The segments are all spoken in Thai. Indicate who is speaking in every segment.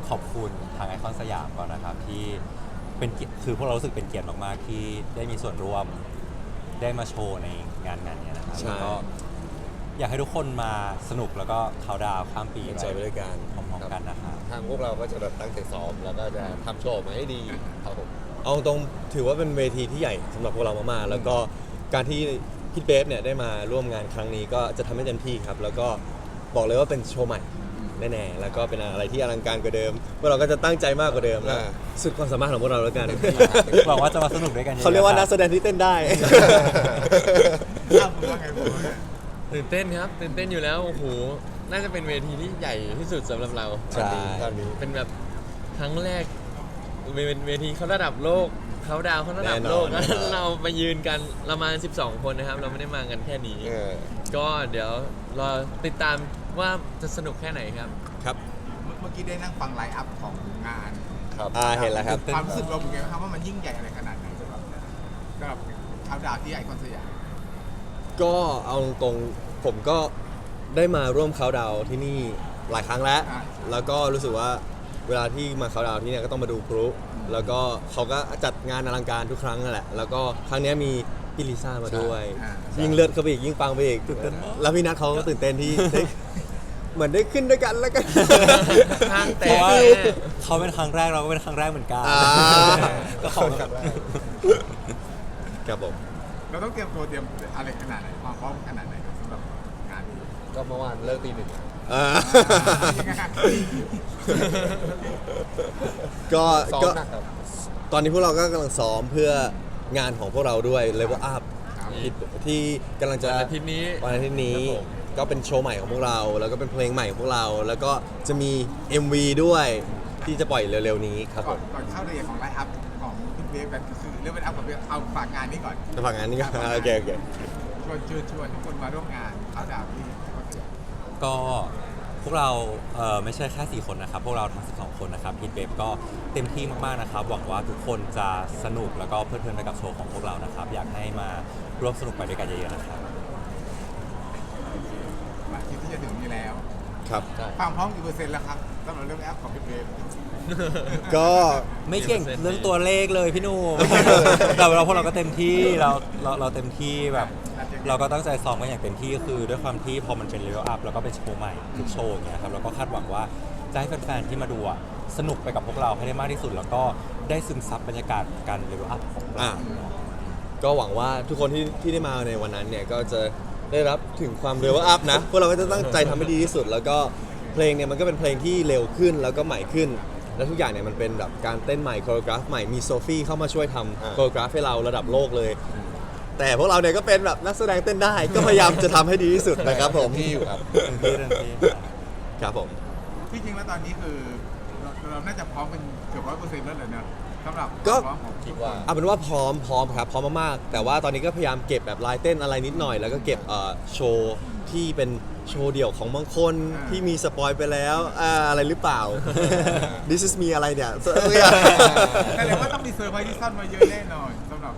Speaker 1: ขอบคุณทางไอคอนสยามก่อนนะครับที่เป็นเกียรติคือพวกเรารู้สึกเป็นเกียรติมากๆที่ได้มีส่วนร่วมได้มาโชว์ในงานนี้นะครับ
Speaker 2: ใช่
Speaker 1: แล้วก็อยากให้ทุกคนมาสนุกแล้วก็เขาน์ดาวน์ข้ามปี
Speaker 2: ใจไปด้วยกัน
Speaker 1: พร้อมๆกันนะครับ
Speaker 3: ทางพวกเราก็จะแบบตั้งใจซ้อมแล้วก็จะทำโชว์ออกมาให้ดีครับผม
Speaker 2: เอาตรงๆถือว่าเป็นเวทีที่ใหญ่สำหรับพวกเรามากๆแล้วก็การที่พี่เบฟเนี่ยได้มาร่วมงานครั้งนี้ก็จะทำให้เต็มที่ครับแล้วก็บอกเลยว่าเป็นโชว์ใหม่แน่ๆแล้วก็เป็นอะไรที่อลังการกว่าเดิมพวกเราก็จะตั้งใจมากกว่าเดิมแล้วสุดความสามารถของพวกเราแล้วกัน
Speaker 1: หวังว่าจะมาสนุกด้วยกันอะๆ
Speaker 2: เขาเรียกว่านัก
Speaker 1: ค
Speaker 2: แส
Speaker 1: บ
Speaker 2: ดงที่เต้นได้
Speaker 4: อ้าวผมว่าไงผมว่าไง
Speaker 5: ตื่นเต้นครับตื่นเต้นอยู่แล้วโอ้โหน่าจะเป็นเวทีที่ใหญ่ที่สุดสำหรับเรา
Speaker 2: ใช่
Speaker 3: ตอนนี้
Speaker 5: เป็นแบบครั้งแรกเป็นเวทีเขาระดับโลกเขาดาวเขาระดับโลก
Speaker 2: แน่นอน
Speaker 5: แล้วเรามายืนกันเรามา12 คนนะครับ เราไม่ได้มากันแค่นี้ ก็เดี๋ยวรอติดตามว่าจะสนุกแค่ไหนครับ
Speaker 2: ครับ
Speaker 4: เมื่อกี้ได้นั่งฟังไลฟ์อัพของงาน
Speaker 3: ครับ
Speaker 2: เห็นแล้วครับ
Speaker 4: ความรู้สึกเราเป็นไงบ้างครับว่ามันยิ่งใหญ่อะไรขนาดไหนสำหรับเขาดาวน์ที่ไอคอนสยาม
Speaker 2: ก็เอาตรงๆผมก็ได้มาร่วมเขาน์ดาวน์ที่นี่หลายครั้งแล้ว แล้วก็รู้สึกว่าเวลาที่มาเขาน์ดาวน์ที่เนี่ยก็ต้องมาดูพลุแล้วก็เขาก็จัดงานอลังการทุกครั้งนั่นแหละ แล้วก็ครั้งเนี้ยมีพี่ลิซ่ามาด้วย ยิ่งเลือดเข้าไปอีกยิ่งปังไปอีกแล้วพี่นัทเขาก็ตื่นเต้นที่ ได้เหมือนได้ขึ้นด้วยกันแล้วกัน
Speaker 5: ห้างแต
Speaker 1: เพราะ
Speaker 5: ก
Speaker 1: ว่า
Speaker 5: แน่
Speaker 1: เขาเป็นครั้งแรกเราก็เป็นครั้งแรกเหมือนกัน
Speaker 2: อ่า
Speaker 1: ก็ขอบคุณ
Speaker 2: ครับผม
Speaker 4: เราต้องเตรียมตัวเตรียมอะไรขนาดไหนความพร้อมขนาดไหนครับสำหรับงานนี้
Speaker 3: ก็เมื่อวานเลิกตีหนึ่ง
Speaker 2: อ่า
Speaker 4: ยังไงครับ
Speaker 2: ก็
Speaker 3: ซ้อม
Speaker 2: ก็
Speaker 3: หนักครับ
Speaker 2: ตอนนี้พวกเราก็กำลังซ้อมเพื่องานของพวกเราด้วย Level Up ที่กำลังจะ
Speaker 5: วันอาทิตย์นี้
Speaker 2: วันอาทิตย์นี้
Speaker 5: ครับผม
Speaker 2: ก็เป็นโชว์ใหม่ของพวกเรา แล้วก็เป็นเพลงใหม่ของพวกเรา แล้วก็จะมี MV ด้วยที่จะปล่อยเร็วๆนี้ครับผ
Speaker 4: ก่อน
Speaker 2: ม
Speaker 4: ก่อนเข้ารายละเอียดของไลฟ์อัพของคุณเบฟแบบคือเรื่องไลฟ์อัพกับเอาฝากงานนี้ก่อน
Speaker 2: จะฝากงานนี้ก็ โอเคโอเค
Speaker 4: ชวนทุกคนมาร่วมงานเขาดาวน์ที่ไอคอนสยาม
Speaker 1: ก็พวกเราไม่ใช่แค่4คนนะครับ พวกเราทั้ง12คนนะครับพีทเบฟก็เต็มที่มากๆนะครับ หวังว่าทุกคนจะสนุกแล้วก็เพลิดเพลินไปกับโชว์ของพวกเรานะครับ อยากให้มาร่วมสนุกไปด้วยกันเยอะๆนะครับ
Speaker 4: วันอาทิตย์ที่จะถึงนี้แล้ว
Speaker 2: ครับ
Speaker 4: ความพร้อมกี่เปอร์เซ็นต์แล้วครับสำหรับเรื่องแอปของพี่เบฟ
Speaker 2: ก็
Speaker 1: ไม่เก่งเรื่องตัวเลขเลยพี่หนุ่ม แต่เราพวกเราก็เต็มที่เราเต็มที่แบบ เราก็ตั้งใจซ้อมกันอย่างเต็มที่คือด้วยความที่พอมันเป็นเลเวลอัพแล้วก็เป็นโชว์ใหม่ทุกโชว์อย่างเงี้ยครับเราก็คาดหวังว่าจะให้แฟนๆที่มาดูอะสนุกไปกับพวกเราให้ได้มากที่สุด แล้วก็ได้ซึมซับบรรยากาศการเลเวลอัพของเรา
Speaker 2: ก็หวังว่าทุกคนที่ได้มาในวันนั้นเนี่ยก็จะได้รับถึงความเร็วอัพนะ พวกเราก็จะตั้งใจทำให้ดีที่สุด แล้วก็เพลงเนี่ยมันก็เป็นเพลงที่เร็วขึ้นแล้วก็ใหม่ขึ้น และทุกอย่างเนี่ยมันเป็นแบบการเต้นใหม่โคโรกราฟใหม่มีโซฟี่เข้ามาช่วยทำโคโรกราฟให้เราระดับโลกเลย แต่พวกเราเนี่ยก็เป็นแบบนักแสดงเต้นได้ ก็พยายามจะทำให้ดีที่สุดนะครับผม
Speaker 3: ที่อยู่ครับ
Speaker 1: เต็มที่
Speaker 2: ครับผม
Speaker 4: ที่จริงแล้วตอนนี้คือเราน่าจะพร้อมเป็นเกือบ100%แล้วเลยเนอะสำหรับ
Speaker 2: ก็
Speaker 4: ความพร้อมของ
Speaker 3: คิดว่า
Speaker 2: เอาเป็นว่าพร้อมครับพร้อมมากๆแต่ว่าตอนนี้ก็พยายามเก็บแบบลายเต้นอะไรนิดหน่อย แล้วก็เก็บโชว์ที่เป็นโชว์เดี่ยวของบางคนที่มีสปอยไปแล้วอะไรหรือเปล่า This is me อะไรเนี่ย
Speaker 4: แต่เลยว่าต้องมีเซอร์ไพรส์ที่ซ่อนมาเยอะแน่นอนสำหรับ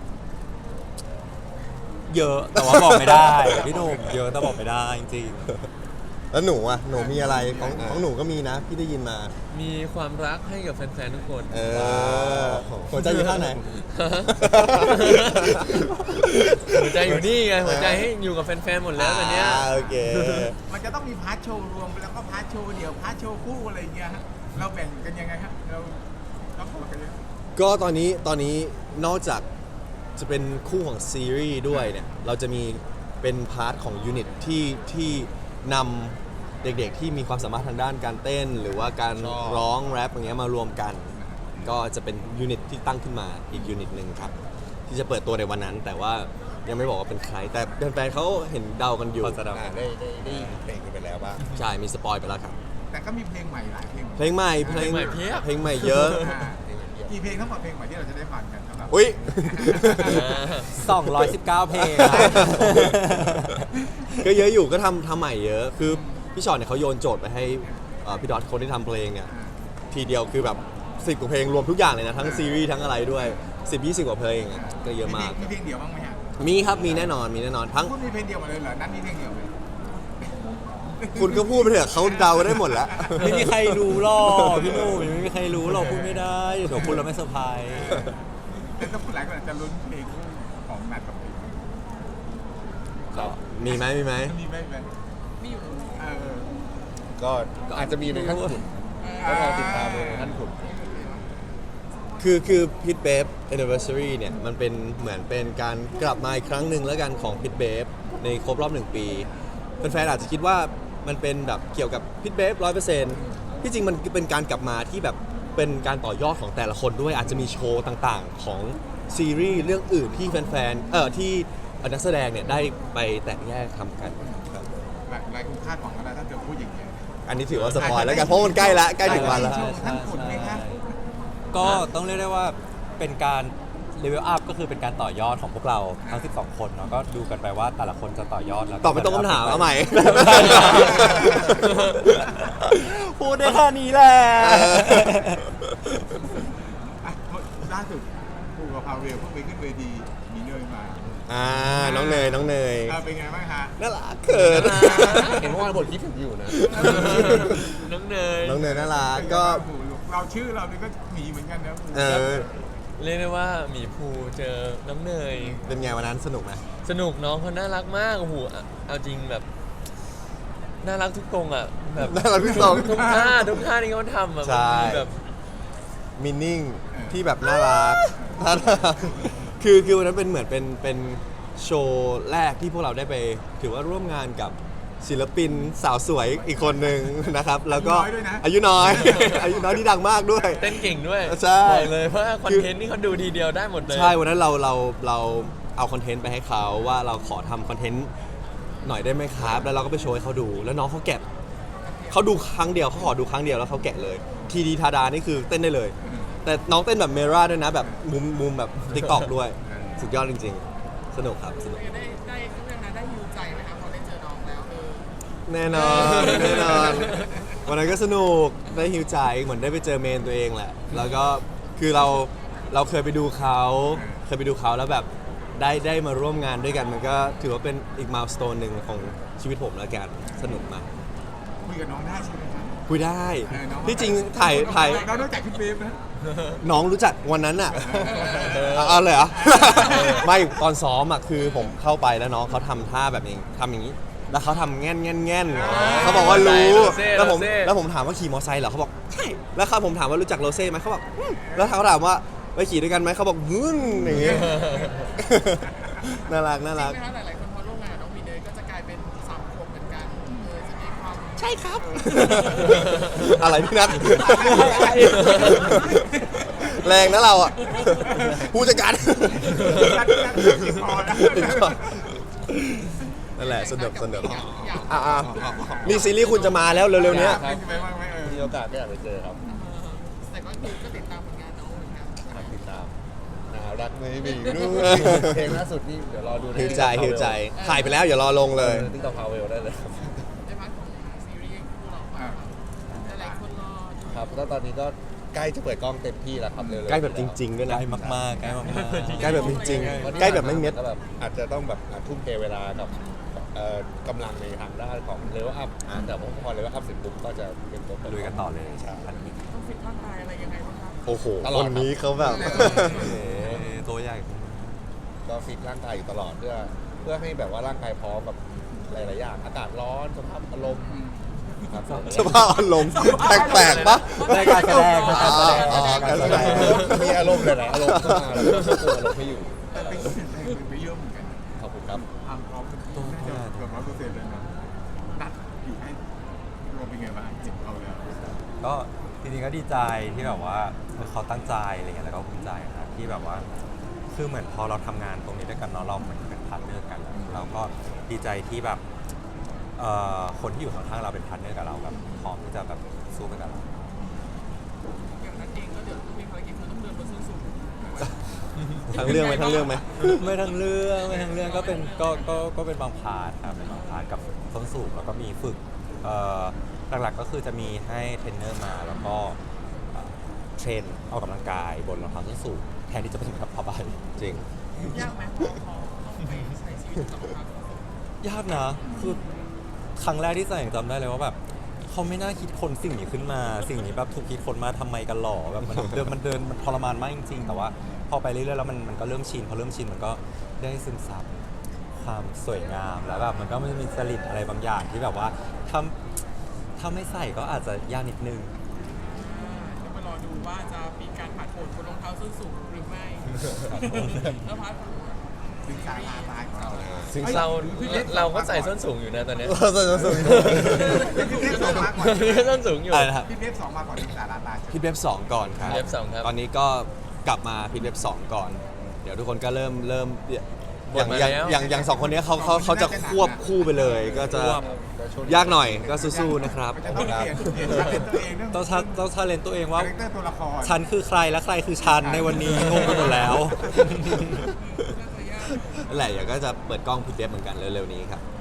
Speaker 1: เยอะแต่ว่าบอกไม่ได้ พี่หนุ่มเยอะแต่บอกไม่ได้จริง
Speaker 2: แล้วหนูอ่ะหนูมีอะไรของหนูก็มีนะ พี่ได้ยินมา
Speaker 5: มีความรักให้กับแฟนๆทุกคน
Speaker 2: หัวใจอยู่ข้างไหน
Speaker 5: หัวใจอยู่นี่ไงหัวใจให้อยู่กับแฟนๆหมดแล้วตอนเนี้ย
Speaker 2: โอเค
Speaker 4: มันจะต้องมีพาร์ทโชว์รวมแล้วก็พาร์ทโชว์เดี่ยวพาร์ทโชว์คู่อะไรอย่างเงี้ยฮะเราแบ่งกันยังไงฮะเราต้องบอกกันยังไง
Speaker 2: ก็ตอนนี้นอกจากจะเป็นคู่ของซีรีส์ด้วยเนี่ยเราจะมีเป็นพาร์ทของยูนิตที่นำเด็กๆที่มีความสามารถทางด้านการเต้น หรือว่าการร้องแรปอย่างเงี้ยมารวมกัน ก็จะเป็นยูนิตที่ตั้งขึ้นมาอีกยูนิตหนึ่งครับ ที่จะเปิดตัวในวันนั้น แต่ว่ายังไม่บอกว่าเป็นใคร แต่แฟนๆเขาเห็นเดากันอยู่
Speaker 1: พอจะเดา
Speaker 3: ได้เพลงกันไปแล้วบ้าง
Speaker 2: ใช่มีสปอยไปแล้วครับ
Speaker 4: แต่ก็มีเพลงใหม่หลายเพลง
Speaker 2: เพลงใหม่
Speaker 5: เพลงใหม่เพียบ
Speaker 2: เพลงใหม่เยอะ
Speaker 4: อ่ากี่เพลงทั้งหมดเพลงใหม่ที่เราจะได้ฟังกันครับ
Speaker 2: อุ้ย
Speaker 1: 219 เพลงครับ
Speaker 2: ก็เยอะอยู่ก็ทำใหม่เยอะ คือพี่ชอตเนี่ยเขาโยนโจทย์ไปให้พี่ดอทคนที่ทำเพลงเนี่ยทีเดียวคือแบบ10กว่าเพลงรวมทุกอย่างเลยนะ ทั้งซีรีส์ทั้งอะไรด้วย 10-20 กว่าเพลงอะก็เยอะมาก
Speaker 4: มีเพลงเดียวบ้างไหมฮะ
Speaker 2: มีครับมีแน่นอนทั้ง
Speaker 4: คุณมีเพลงเดียวหมดเลยเหรอนั่นมีเพลงเดียวเลย
Speaker 2: คุณก็พูดไปเถอะเขาเดาได้หมดแล้ว
Speaker 1: ไม่มีใครรู้หรอกพี่หนุ่มยังไม่มีใครรู้หรอกพูดไม่ได้เดี๋ยวพูดแล้วไม่เซอร์ไพรส์
Speaker 4: แต่ถ้าผู้หลายคนอาจจะลุ้นเพลงคู่ของนัดกับเพลง
Speaker 1: ก็
Speaker 2: มีไหม
Speaker 4: มีไหมเออ
Speaker 3: ก็อาจจะมีในขั้นขุนก็รอติดตามในขั้นขุน
Speaker 2: คือพิทเบฟ anniversary เนี่ยมันเป็นเหมือนเป็นการกลับมาอีกครั้งหนึ่งแล้วกันของพิทเบฟในครบรอบ 1 ปีแฟนๆอาจจะคิดว่ามันเป็นแบบเกี่ยวกับพิทเบฟ100%ที่จริงมันเป็นการกลับมาที่แบบเป็นการต่อยอดของแต่ละคนด้วยอาจจะมีโชว์ต่างๆของซีรีส์เรื่องอื่นที่แฟนๆที่นักแสดงเนี่ยได้ไปแตกแยกทำกันครับ
Speaker 4: หลายคนคาดหวังกันแล้วถ้าเกิดพูดอย่างนี้ย
Speaker 2: อันนี้ถือว่าสปอยแล้วกันเพราะมันใกล้ละใกล้ถึงวันแล้ว
Speaker 4: โชว์ท่านขุนไหมคะ
Speaker 1: ก็ต้องเรียกได้ว่าเป็นการเลเวลอัพก็คือเป็นการต่อยอดของพวกเราทั้ง 12 คนเนาะก็ดูกันไปว่าแต่ละคนจะต่อยอดแล้ว
Speaker 2: ตอบไม่ตรงคำถามเอาใหม่
Speaker 1: พูดได้แค่นี้แหละ
Speaker 4: อ่ะล่าสุดปูกับพาเวลเพิ่งไปขึ้นเวทีมีเนยมา
Speaker 2: น้องเนย
Speaker 4: เป็นไงบ้างฮะ
Speaker 2: น่ารักเขิน
Speaker 3: เห็นเมื่อวานบทคิดถึงอยู่นะ
Speaker 5: น้องเนย
Speaker 2: น้องเนยน่ารักก็
Speaker 4: เราชื่อเราเนี่ยก็หมีเหมือนกันนะ
Speaker 2: เออ
Speaker 5: เรียกได้ว่าหมีภูเจอน้องเนย
Speaker 2: เป็นไงวันนั้นสนุกไหม
Speaker 5: สนุกน้องเขาน่ารักมากโอ้โหเอาจริงแบบน่ารักทุกตรงอ่ะแบบ
Speaker 2: น่ารักที่สอง
Speaker 5: ทุกท่าที่เขาทำอ่ะ
Speaker 2: ใช่
Speaker 5: มันมีแบบ
Speaker 2: มินนิ่งที่แบบน่ารักน่ารักคือวันนั้นเป็นเหมือนเป็นโชว์แรกที่พวกเราได้ไปถือว่าร่วมงานกับศิลปินสาวสวยอีกคนหนึ่งนะครับ แล้วก็อายุน้อย อายุน้อยที่ดังมากด้วย
Speaker 5: เต้นเก่งด้วย
Speaker 2: ใช่
Speaker 5: บอกเลยว่าคอนเทนต์นี่เขาดูทีเดียวได้หมดเลย
Speaker 2: ใช่วันนั้นเราเอาคอนเทนต์ไปให้เขาว่าเราขอทำคอนเทนต์หน่อยได้ไหมครับ แล้วเราก็ไปโชว์ให้เขาดู แล้วน้องเขาแกะเขาดูครั้งเดียวเขาขอดูครั้งเดียวแล้วเขาแกะเลยทีดีทาดานี่คือเต้นได้เลย แต่น้องเต้นแบบเมราด้วยนะแบบมุมแบบติ๊กตอกด้วย สุดยอดจริงๆ สนุกครับสนุก
Speaker 6: ได้เรื่องนั้นได้ฮิวใจไหมคะพอได้เจอน้องแล้ว
Speaker 2: แน่นอนแน่นอนวันนั้นก็สนุกได้ฮิวใจเหมือนได้ไปเจอเมนตัวเองแหละ แล้วก็คือเราเคยไปดูเขาแล้วแบบได้มาร่วมงานด้วยกันมันก็ถือว่าเป็นอีกมายสโตนหนึ่งของชีวิตผมแล้วกันสนุกมาก
Speaker 4: คุยกับน้องได้ใช่ไหมครับ
Speaker 2: คุยได้
Speaker 4: น้อง
Speaker 2: ที่จริงถ่าย
Speaker 4: เราต้องจากพี่เบฟนะ
Speaker 2: น้องรู้จักวันนั้นอ่ะเอาเลยเหรอ ไม่ตอนซ้อมอ่ะคือผมเข้าไปแล้วน้องเขาทำท่าแบบนี้ทำอย่างนี้ แล้วเขาทำแง่นเขาบอกว่ารู้ แล้วผมถามว่าขี่มอเตอร์ไซค์เหรอเขาบอกใช่แล้วผมถามว่ารู้จักโรเซ่ไหมเขาบอกแล้วเขาถามว่าไปขี่ด้วยกันไหมเขาบอกอย่างเงี้ย น่ารัก
Speaker 6: จริงไหมคะหลายๆคนพอร่วมงานน้องมีเนยก็จะกลายเป็น3 ขวบเหมือนกันจะมีความใช่ครับ
Speaker 2: อะไรพี่นัท แรงนะเราอ่ะผู้จัดการ นั่นแหละสนุกนี่ซีรีส์คุณจะมาแล้วเร็วๆเนี้ย
Speaker 3: มีโอกาสก็อยากไปเจอครับ
Speaker 6: แต่ก็คือก็ติดตามผลงานน้องเหมือนกัน
Speaker 3: ครับติดตามน่ารักไม่มีนู่นเพลงล่าสุดนี่เดี๋ยวรอดู
Speaker 2: ฮิวใจถ่ายไปแล้วอย่ารอลงเลย
Speaker 3: ติ๊กต็อกพาวเวลได้เลยครับ
Speaker 6: ในพาร์ทของซีรีส์คู่เราหลายๆคนรอดู
Speaker 3: ครับก็ตอนนี้ก็ใกล้จะเปิดกล้องเต็มที่แล้วครับเร็วๆ
Speaker 2: ใกล้แบบจริงๆด้วย
Speaker 1: ใก
Speaker 2: นะ
Speaker 1: ล้มากๆใกล้มากๆ
Speaker 2: ใกล้แบบจริงๆใกล้แบบไม่เม็ด
Speaker 3: ก็แบบอาจจะต้องแบบทุ่มเทเวลากับกำลังในทางด้านของเลเวลอัพแต่พอเลเวลอัพเสร็จปุ๊บก็จะเป็นตัว
Speaker 1: ลุยกันต่อเลย
Speaker 3: ใช่
Speaker 6: ต้องฟิตร่างกายอะไรยังไงบ้างคะ
Speaker 2: โอ้โห
Speaker 3: ตลอด
Speaker 2: คนนี้เขาแบบ
Speaker 1: ตัวใหญ่
Speaker 3: ก็ฟิตร่างกายอยู่ตลอดเพื่อให้แบบว่าร่างกายพร้อมกับหลายๆอย่างอากาศร้อนสภาพอารมณ์ครับ
Speaker 2: สภาพอารมณ์แปลกๆปะ
Speaker 1: ได้การแสดงการแสดง
Speaker 2: การแสดง
Speaker 3: มีอารมณ์หลายๆอารมณ์เข้ามาแล้วก็ควบคุมอารมณ์ไม่อยู่
Speaker 4: แต่เป็นคนไปเยอะเหมือนกัน
Speaker 3: ขอบคุณครับ
Speaker 4: ความพร้อมน่าจะเกือบ100%เลยนะนัดอยู่ให้รวมเป็นไงบ้างเห็นเขาแล้ว
Speaker 1: ก็จริงๆก็ดีใจที่แบบว่าเขาตั้งใจอะไรเงี้ยแล้วก็ภูมิใจครับที่แบบว่าคือเหมือนพอเราทำงานตรงนี้ด้วยกันเนาะเราเหมือนเป็นพาร์ทเนอร์กันแล้วก็ดีใจที่แบบคนที่อยู่ข้างๆเราเป็นพาร์ทเนอร์กับเราแบบพร้อมที่จะแบบสู้ไปกับเรา
Speaker 6: อย่างนั้นเองก็เดี๋ยวต้องมีภารกิจคือต้องเดินบนส้นสูง
Speaker 2: ทั้งเรื่องไหม
Speaker 1: ไม่ทั้งเรื่องก็เป็นก็เป็นบางพาร์ทครับเป็นบางพาร์ทกับส้นสูงแล้วก็มีฝึกหลักๆก็คือจะมีให้เทรนเนอร์มาแล้วก็เทรนออกกำลังกายบนรองเท้าส้นสูงแทนที่จะเป็นแบบผ้าใบ
Speaker 2: จริง
Speaker 6: ยากไหมพอต้องไปใช้ชีวิตกับความ
Speaker 1: ยากนะคือครั้งแรกที่ใส่ยังจำได้เลยว่าแบบเขาไม่น่าคิดคนสิ่งนี้ขึ้นมา สิ่งนี้แบบถูกคิดคนมาทำไมกันหรอแบบมันเดินมันทรมานมากจริงๆ แต่ว่าพอไปเรื่อยๆแล้วมันก็เริ่มชินพอเริ่มชินมันก็ได้ซึมซับความสวยงามแล้วแบบมันก็ไม่มีจริตอะไรบางอย่างที่แบบว่าถ้าไม่ใส่ก็อาจจะยากนิดนึง
Speaker 6: เดี๋ยวมารอดูว่าจะมีการผ่านโผล่บนรองเท้าส้นสูงหรือไม่แล้วพาร์ท
Speaker 4: ถึงสาราตายของเราเลย
Speaker 5: ซึ่งเราก็ใส่ส้นสูงอยู่นะตอนเนี้ย
Speaker 2: เราใส่ส้นสูง
Speaker 4: พี่เทพสองมาก่อน
Speaker 5: ส้นสูงอยู่
Speaker 2: อะไรนะครับ
Speaker 4: พี่เทพสองมาก่อนถึงสาราตาย
Speaker 2: พิทเว็บ2 ก่อนครับ
Speaker 5: พิทเว็บ2ครับ
Speaker 2: ตอนนี้ก็กลับมาพิทเว็บ2 ก่อน เดี๋ยวทุกคนก็เริ่มอย่าง
Speaker 5: หมดมา
Speaker 2: อย่าง
Speaker 5: แล้ว
Speaker 2: อย่างสองคนนี้เขาจะควบคู่ไปเลย ก็จะยากหน่อยก็สู้ๆนะครับ
Speaker 4: มันจะต้องเปลี่ยนตัวเองเรื่อง
Speaker 1: ต้องชาเลนตัวเองว่า
Speaker 4: คาแรคเตอร์ตัวละคร
Speaker 1: ฉันคือใครและใครคือฉันในวันนี้งงไปหมดแล้ว
Speaker 2: นั่นแหละเดี๋ยวก็จะเปิดกล้องพิทเว็บเหมือนกันเร็วๆนี้ครับ
Speaker 6: เ